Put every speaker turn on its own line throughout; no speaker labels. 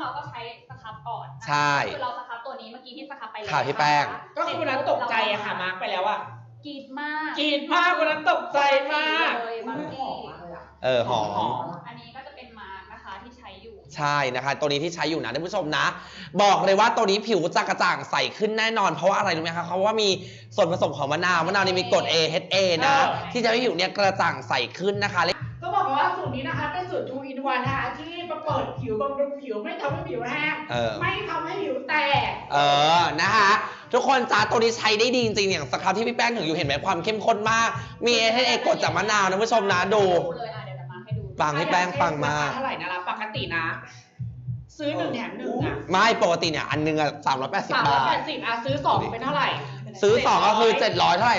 เราก็ใช้สครับก่อน
ใช่
คือเราสครับตัวนี้เมื่อกี้ที่สครับไปแล้ว
ค่ะพี่แป้ง
ก็คือวันนั้นตกใจอะค่ะมาร์กไปแล้วอะ
กรีดมาก
วันนั้นตกใจมาก
เลยบางที
หอม
อันนี้ก็จะเป็นมาร์กนะคะที่ใช้อยู่
ใช่นะคะตัวนี้ที่ใช้อยู่นะท่านผู้ชมนะบอกเลยว่าตัวนี้ผิวจะกระจ่างใสขึ้นแน่นอนเพราะว่าอะไรรู้ไหมคะเพราะว่ามีส่วนผสมของมะนาวนี่มีกรด AHA นะที่จะให้ผิวเนี่ยกระจ่างใสขึ้นนะคะ
ก็บอกว่าสูตรนี้นะคะเป็นสูตร 2 in 1นะคะที่มาเปิดผิวบำรุงผิวไม่ทำให้ผิวแห้งไม่ทำให้ผิวแตก
นะคะทุกคนจ้าตัวนี้ใช้ได้ดีจริงๆอย่างสครับที่พี่แป้งถึงอยู่เห็นไหมความเข้มข้นมากมี AHA กรดจากมะนาวนะผู้ชมนะดูฟังให้แป้งฟังมา
เท่าไหร่นะปกตินะซื้อ1 แถม 1อะ
ไม่ปกติเนี่ยอันนึงอะ380 บาท
ซื้อ2เป็นเท่าไหร่
ซื้อ2ก็คือ700เท่าไหร่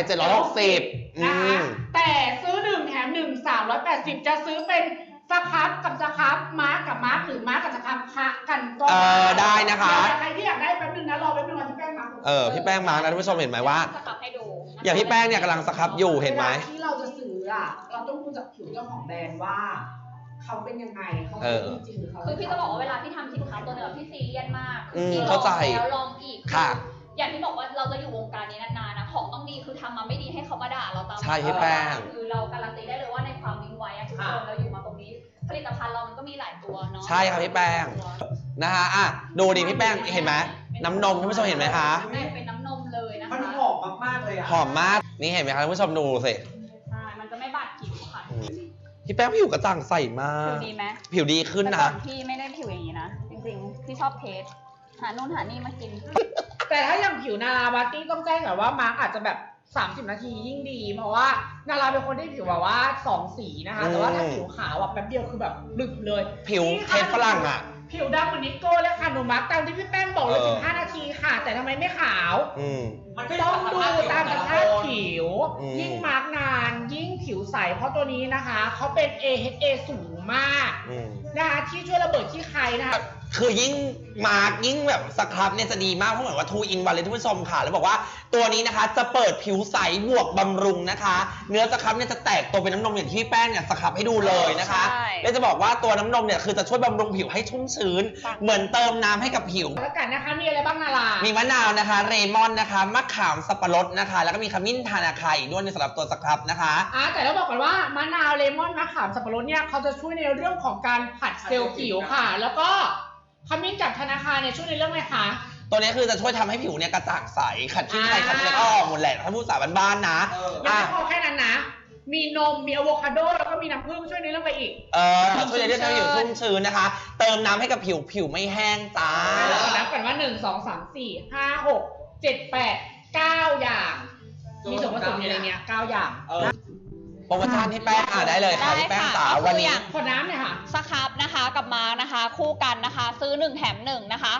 760
นะคะแต่ซื้อ1 แถม 1 380จะซื้อเป็นสครับกับสครับมาร์กกับมาร์กหรือมาร์กกับสครับคะกันก็
ได้นะคะ
ใครที่อยากได้แป๊บนึงนะรอแป๊บนึงวันที่แป้งมาร์ก
พี่แป้งมาร์กนะท่านผู้ชมเห็นไหมว่า
สครับให้ดู
อย่างพี่แป้งเนี่ยกำลังสครับอยู่เห็นไหม
ที่เราจะซื้ออะเราต้องดูจากผิวเจ้าของแบรนด์ว่าเขาเป็นยังไงเขาจริงหรือเขา
คือพี่จะบอกว่าเวลาพี่ทำสินค้าตัวหนึ่งพี่ซีเรียสมาก
เข้าใจ
แล้วลองอีก
ค่ะ
อย่างที่บอกว่าเราจะอยู่วงการนี้นานๆนะของต้องดีคือทำมาไม่ดีให้เขามาด่าเราตาม
ใช่พี่แป้ง
คือเราการันตีได้เลยว่าในความวิ่งไวทุกคนเราอยู่มาตรงนี้ผลิตภัณฑ์เรามันก็มีหลายตัวเนาะ
ใช่ครับพี่แป้งนะคะดูดิพี่แป้งเห็นไหมน้ำนมท่านผู้ชมเห็นไหมคะ
เป็นน้ำนมเลยนะคะ
มันหอมมากๆเลยอะ
หอมมากนี่เห็นไหมคะท่านผู้ชมดูสิ
ใช่มันจะไม่บาดผิวค่ะ
พี่แป้งผิวกระจ่างใสมาก
ผิวดีไหม
ผิวดีขึ้นนะ
พี่ไม่ได้ผิวอย่างนี้นะจริงๆพี่ชอบเทสหานู่นหานี่มากิน
แต่ถ้าอย่างผิวนาราบาร์ตี้ต้องแจ้งก่อนว่ามาร์กอาจจะแบบ30 นาทียิ่งดีเพราะว่านาราเป็นคนที่ผิวแบบว่า2 สีนะคะแต่ว่าถ้าผิวขาวแบบแป๊บเดียวคือแบบลึกเลย
ผิวเทสฝรั่งอ่ะ
ผิวดำเหมือนนิโก้เลยค่ะหนูมาร์กตามที่พี่แป้งบอกเลย15 นาทีค่ะแต่ทำไมไม่ขาวมันต้องดูตามสภาพผิวยิ่งมาร์กนานยิ่งผิวใสเพราะตัวนี้นะคะเขาเป็น AHA สูงมากนะคะที่ช่วยระเบิดขี้ใครนะคะ
คือยิ่งมาร์กยิ่งแบบสครับเนี่ยจะดีมากเพราะเหมือนว่า2 in 1เลยท่านผู้ชมค่ะแล้วบอกว่าตัวนี้นะคะจะเปิดผิวใสบวกบำรุงนะคะเนื้อสครับเนี่ยจะแตกตัวเป็นน้ำนมอย่างที่แป้งเนี่ยสครับให้ดูเลยนะคะและจะบอกว่าตัวน้ำนมเนี่ยคือจะช่วยบำรุงผิวให้ชุ่มชื้นเหมือนเติมน้ำให้กับผิว
แล้วกันนะคะมีอะไรบ้างนารา
มีมะนาวนะคะเรมอนนะคะมะขามสับปะรดนะคะแล้วก็มีขมิ้นทานาคาอีกด้วยในสำหรับตัวสครับนะคะ
แต่ต้องบอกก่อนว่ามะนาวเรมอนมะขามสับปะรดเนี่ยเขาจะช่วยในเรื่องของการผัดเซลล์ผิวค่ะแล้วก็ขมิ้นจากธนาคารเนี่ยช่วยในเรื่องอะไรคะ
ตัวนี้คือจะช่วยทำให้ผิวเนี่ยกระจ่างใสขัดขี้ใครขัดอะไรก็ออกหมดแหละถ้าพูดภาษาบ้านๆนะ
ยังไม่พอแค่นั้นนะมีนมมีอะโวคาโดแล้วก็มีน้ำผึ้งช่วยในเรื่องอะไรอีก
ช่วยในเรื่องผิวชุ่มชื้นนะคะเติมน้ำให้กับผิวไม่แห้งจ้า
แล้วก็นับกันว่า1 2 3 4 5 6 7 8 9อย่างมีส่วนผสมอยู่ในนี้9อย่าง
โปรโมชั่นที่แป้งได้เลยค่ะที่แป้งสาววันนี้
ขวดน้ำเนี่ยค่ะ
สครับนะคะกับมาร์กนะคะคู่กันนะคะซื้อ1 แถม 1นะคะ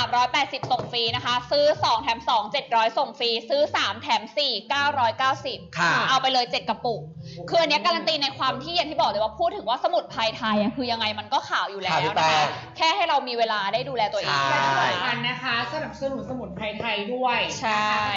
380ส่งฟรีนะคะซื้อ2 แถม 2 700ส่งฟรีซื้อ3 แถม 4 990
ค่ะ
เอาไปเลย7 กระปุกคืออันนี้การันตีในความที่อย่างที่บอกเลยว่าพูดถึงว่าสมุนไพรไทยคือยังไงมันก็ขาวอยู่แล้วนะคะแค่ให้เรามีเวลาได้ดูแลตัวเอง
และที่สำคัญนะคะสนับสนุนสมุนไพรไทยด้วย
ใช่